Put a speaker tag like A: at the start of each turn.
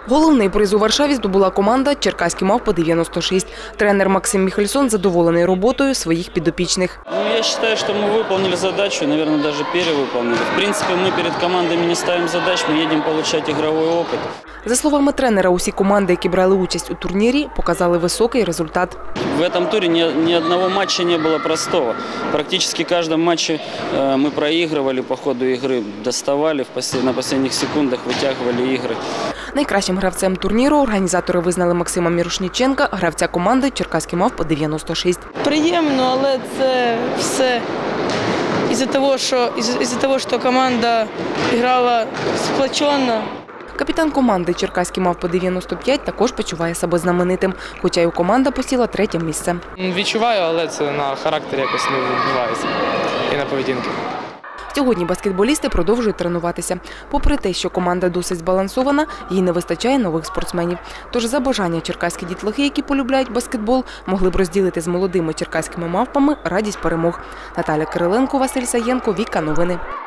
A: Головний приз у Варшаві здобула команда «Черкаські мавпи-96». Тренер Максим Міхельсон задоволений роботою своїх підопічних.
B: Я вважаю, що ми виконали задачу, мабуть, навіть перевиконали. В принципі, ми перед командами не ставимо задач, ми їдемо отримати ігровий опит.
A: За словами тренера, усі команди, які брали участь у турнірі, показали високий результат.
B: В цьому турі ні одного матчу не було простого. Практично в кожному матчі ми проігрували по ходу ігри, доставали на останніх секундах, витягували ігри.
A: Найкращим гравцем турніру організатори визнали Максима Мірошніченка, гравця команди «Черкаські мавпи-96».
C: Приємно, але це все із-за того, що команда грала сплочено.
A: Капітан команди «Черкаські мавпи-95» також почуває себе знаменитим, хоча й команда посіла 3-те місце.
D: Відчуваю, але це на характері якось не відбувається і на поведінки.
A: Сьогодні баскетболісти продовжують тренуватися. Попри те, що команда досить збалансована, їй не вистачає нових спортсменів. Тож за бажання черкаські дітлахи, які полюбляють баскетбол, могли б розділити з молодими черкаськими мавпами радість перемог. Наталя Кириленко, Василь Саєнко, Віка Новини.